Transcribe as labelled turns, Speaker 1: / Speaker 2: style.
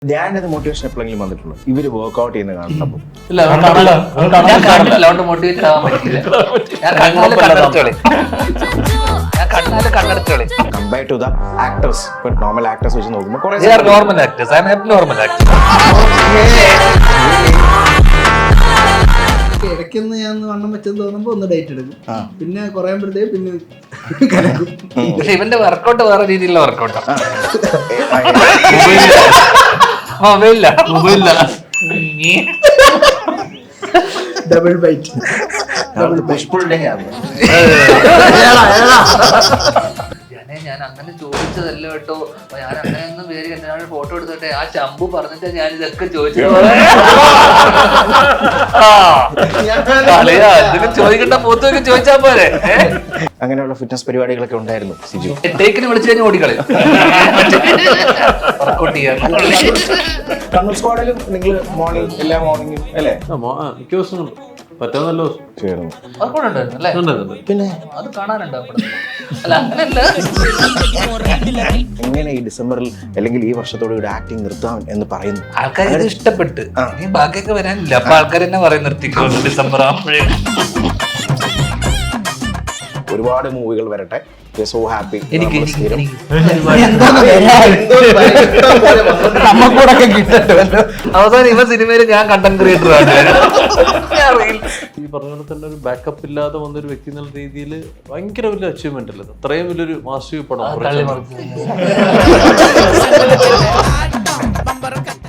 Speaker 1: ധ്യാനത് motivation എപ്പോഴെങ്കിലും വന്നിട്ടുള്ളൂ ഇവര് വർക്ക്ഔട്ട് ചെയ്യുന്ന കാണുമ്പോൾ കമ്പയർ ടു ദ ആക്ടേഴ്സ് ഇപ്പൊ നോർമൽ ആക്ടേഴ്സ് വെച്ച് നോക്കുമ്പോൾ
Speaker 2: ഇടയ്ക്കൊന്ന് ഞാൻ വണ്ണം വെച്ചെന്ന് തോന്നുമ്പോ ഒന്ന് ഡേറ്റ് എടുക്കും, പിന്നെ കുറയുമ്പോഴത്തേക്ക് പിന്നെ കലക്കും.
Speaker 3: പക്ഷെ ഇവന്റെ വർക്കൗട്ട് വേറെ രീതിയിലുള്ള വർക്കൗട്ടാ.
Speaker 2: ഡബിൾ ബൈറ്റ്
Speaker 3: ഞാൻ അങ്ങനെ ചോദിച്ചതല്ല കേട്ടോ, ഞാൻ അങ്ങനെയൊന്നും പേര് എന്തിനാണ് ഫോട്ടോ എടുത്തോട്ടെ, ആ ശംഭു പറഞ്ഞിട്ട് ഞാൻ ഇതൊക്കെ ചോദിച്ചത്. ചോദിക്കണ്ട മൂത്തൊക്കെ ചോദിച്ചാ പോരെ.
Speaker 1: അങ്ങനെയുള്ള ഫിറ്റ്നസ് പരിപാടികളൊക്കെ ഉണ്ടായിരുന്നു സിജു.
Speaker 3: ടേക്കിന് വിളിച്ചു കഴിഞ്ഞാൽ ഓടിക്കളി വർക്കൗട്ട് ചെയ്യാൻ.
Speaker 1: കണ്ണൂർ സ്ക്വാഡിലും നിങ്ങൾ മോർണിംഗ് എല്ലാ മോർണിംഗും അല്ലേ?
Speaker 4: മിക്ക ദിവസവും പറ്റാൻ നല്ല
Speaker 3: വർക്കൗട്ട് ഉണ്ടായിരുന്നു അല്ലേ?
Speaker 1: പിന്നെ
Speaker 3: അത് കാണാനുണ്ടോ? അല്ല അങ്ങനല്ല,
Speaker 1: എങ്ങനെ ഈ ഡിസംബറിൽ അല്ലെങ്കിൽ ഈ വർഷത്തോട് കൂടി ആക്ടിങ് നിർത്താം എന്ന് പറയുന്നു?
Speaker 3: ആൾക്കാർ ഇഷ്ടപ്പെട്ട് ഇനി ബാക്കിയൊക്കെ വരാനില്ല, അപ്പൊ ആൾക്കാർ തന്നെ പറയും നിർത്തിക്കോ ഡിസംബർ ആകുമ്പോഴേ.
Speaker 1: ഒരുപാട് മൂവികൾ വരട്ടെ. So happy.
Speaker 3: അവസാനം ഇവ സിനിമയിൽ ഞാൻ കണ്ടന്റ് ക്രിയേറ്റർ ആണ്.
Speaker 4: ഈ പറഞ്ഞ പോലെ തന്നെ ഒരു ബാക്കപ്പ് ഇല്ലാതെ വന്നൊരു വ്യക്തി എന്നുള്ള രീതിയിൽ ഭയങ്കര വലിയ അച്ചീവ്മെന്റ് അല്ലേ, അത്രയും വലിയൊരു മാസ്റ്റർ പടം.